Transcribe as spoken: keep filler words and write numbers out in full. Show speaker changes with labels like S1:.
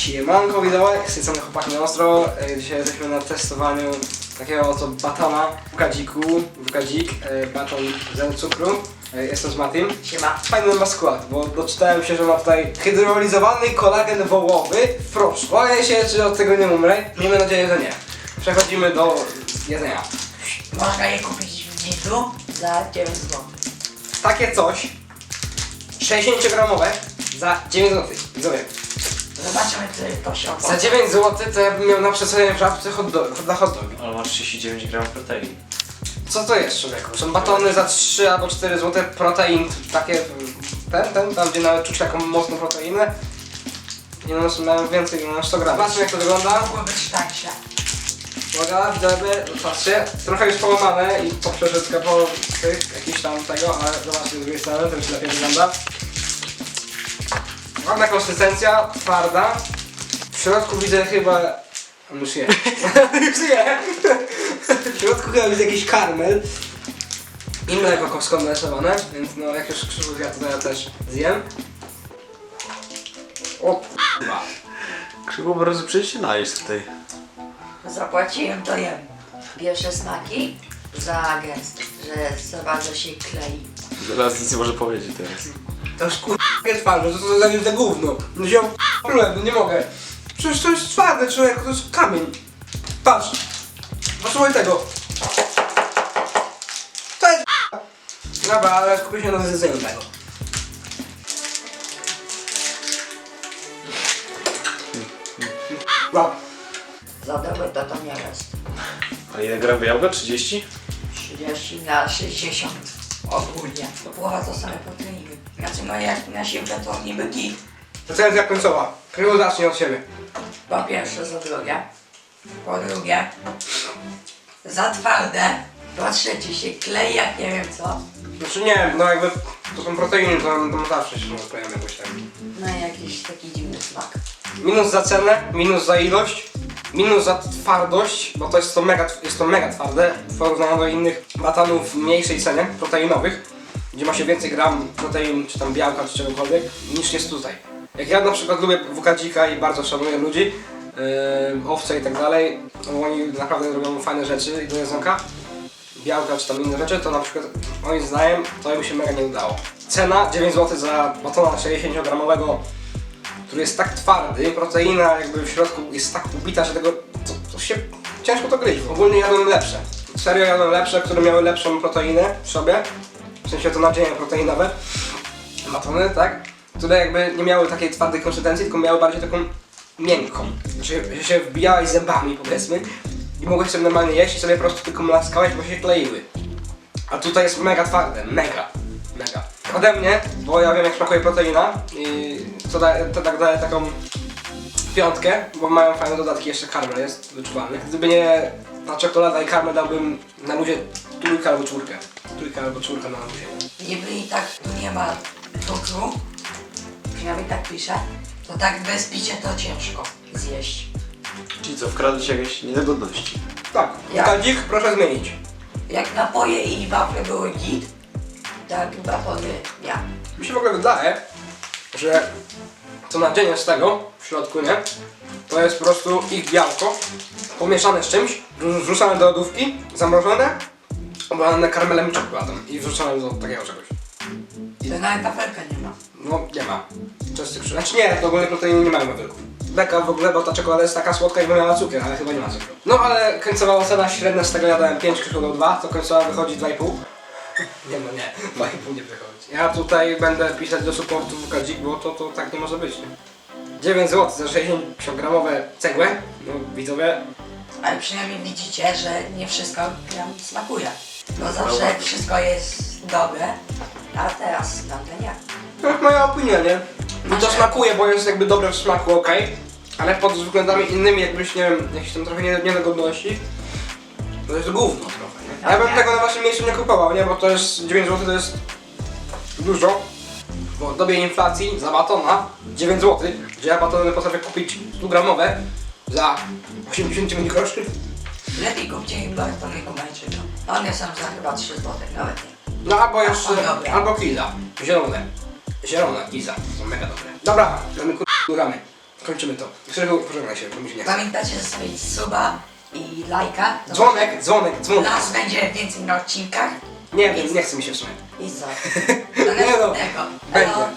S1: Siemanko widzowie, z tej strony chłopaki na ostro. Dzisiaj jesteśmy na testowaniu takiego oto batona w kadziku, w kadzik, baton zero cukru. Jestem z Matim.
S2: Siema.
S1: Fajny ma skład, bo doczytałem się, że ma tutaj hydrolizowany kolagen wołowy w proszku. Boję się, czy od tego nie umrę. Miejmy nadzieję, że nie. Przechodzimy do jedzenia.
S2: Można je kupić w Lidlu za dziewięć złotych.
S1: Takie coś sześćdziesięciogramowe za dziewięć złotych. Widzowie.
S2: Zobaczymy, czy to się
S1: Za
S2: opłaca.
S1: dziewięć złotych to ja bym miał na przesadzenie w żabce hot dog, na hot dogi.
S3: Ale masz trzydzieści dziewięć gramów protein.
S1: Co to jest, człowieku? Są batony za trzy albo cztery złote, protein takie, ten, ten, tam gdzie nawet czuć taką mocną proteinę. I one są mają więcej, no sto gramów. Zobaczmy jak to wygląda.
S2: Mogło być tańsze.
S1: Uwaga, widzowie, patrzcie, trochę już połamane i poprzeczka po tych, jakiś tam tego, ale zobaczcie z drugiej strony, to już lepiej wygląda. Ładna konsystencja, twarda. W środku widzę chyba... On już je. Już je. W środku chyba widzę jakiś karmel. I mleko skondensowane, więc no jak już Krzysztof ja to ja też zjem. O k***a.
S3: Krzywo po prostu przyjść się najeść tutaj.
S2: Zapłaciłem, to jem. Pierwsze smaki za gęsty, że za bardzo się klei.
S3: Zaraz nic nie może powiedzieć teraz.
S1: To jest k***a twarde, co to za za gówno. No się k***a, no nie mogę. Przecież to jest twarde, człowiek, to jest kamień. Patrz. Posłuchaj tego. To jest k***a. Dobra, ale skupię się na zjedzeniu tego. Wow.
S2: Za dobre to to nie jest.
S3: A ile gram jabłka? trzydzieści?
S2: trzydzieści na sześćdziesiąt ogólnie. To połowa to same proteiny. Znaczy no jak na siłkę to niby git.
S1: Recenzja końcowa. Kryło zacznie od siebie.
S2: Po pierwsze, za drugie. Po drugie, za twarde. Po trzecie, się klei jak nie wiem co.
S1: Znaczy nie wiem, no jakby to są proteiny, to, to zawsze się rozkleją jakoś tak.
S2: No i jakiś taki dziwny smak.
S1: Minus za cenę, minus za ilość, minus za twardość, bo to jest to mega, jest to mega twarde w porównaniu do innych batonów w mniejszej cenie, proteinowych, gdzie ma się więcej gram protein, czy tam białka, czy czegokolwiek, niż jest tutaj. Jak ja na przykład lubię wukadzika i bardzo szanuję ludzi, yy, owce i tak dalej, bo oni naprawdę robią fajne rzeczy i do jedzonka, białka czy tam inne rzeczy, to na przykład moim zdaniem to by się mega nie udało. Cena dziewięć złotych za batona sześćdziesięciogramowego, który jest tak twardy, proteina jakby w środku jest tak ubita, że tego to, to się ciężko to gryźć. Ogólnie jadłem lepsze. Serio jadłem lepsze, które miały lepszą proteinę w sobie, w sensie to nadzienie proteinowe, batony, tak? Które jakby nie miały takiej twardej konsystencji, tylko miały bardziej taką miękką. Znaczy, że się wbijałeś zębami powiedzmy i mogłeś sobie normalnie jeść i sobie po prostu tylko mlaskałeś, bo się kleiły. A tutaj jest mega twarde, mega, mega. Ode mnie, bo ja wiem jak smakuje proteina i to, da, to tak daje taką piątkę, bo mają fajne dodatki, jeszcze karmel jest wyczuwalny. Gdyby nie ta czekolada i karmel dałbym na luzie trójkę albo czwórkę. Trójkę albo czwórkę na luzie.
S2: Niby i tak tu nie ma cukru, przynajmniej tak pisze, to tak bez picia to ciężko zjeść.
S3: Czyli co, wkradły się jakieś niedogodności?
S1: Tak,
S2: Ja.
S1: kadzik proszę zmienić.
S2: Jak napoje i wafle były git, tak batony ja.
S1: Mi się w ogóle wydaje, że to nadzienie z tego w środku, nie? To jest po prostu ich białko pomieszane z czymś, wrzucane do lodówki, zamrożone, oblane karmelem i czekoladą i wrzucane do takiego czegoś.
S2: To nawet wafelka nie ma.
S1: No nie ma. Czystych przy... Znaczy nie, to ogólnie proteiny nie mają wafelków. Beka w ogóle, bo ta czekolada jest taka słodka jakby miała cukier, ale chyba nie ma cukru. No ale końcowa ocena średnia z tego ja dałem pięć, Krzysztof dał dwa, to końcowa wychodzi dwa i pół. Nie no nie, dwa i pół nie wychodzi. Ja tutaj będę pisać do supportu W K Dzik, bo to, to tak nie może być, nie? dziewięć złotych za sześćdziesięciogramowe cegłę, no widzowie.
S2: Ale przynajmniej widzicie, że nie wszystko nam smakuje. Bo zawsze wszystko jest dobre, a teraz tamte nie.
S1: To jest moja opinia, nie? Mi to smakuje, bo jest jakby dobre w smaku, okej. Ale pod względami innymi, jakbyś, nie wiem, jakieś tam trochę nie- niedogodności, to jest gówno trochę, nie? Ja bym tego na waszym miejscu nie kupował, nie? Bo to jest dziewięć złotych, to jest dużo. Bo w dobie inflacji za batona dziewięć złotych, gdzie ja batony potrafię kupić sto gramowe za osiemdziesiąt dziewięć groszy.
S2: Lepiej kupcie im batony kubańczyka. One są za chyba trzy złote, nawet nie.
S1: No albo jeszcze,
S2: A, dobra.
S1: albo kiza. Zielone. Zielone kiza, są mega dobre. Dobra, mamy kur... góramy. kończymy to. Krzyżu, pożegnaj się, bo mi się nie chce.
S2: Pamiętajcie zostawić suba i lajka. No,
S1: Dzwonek, dzwonek, dzwonek.
S2: nas będzie więcej na odcinkach.
S1: Nie wiem, nie chce mi się w sumie.
S2: I co? Do
S1: Nie no,
S2: następnego.
S1: będzie.
S2: Elo.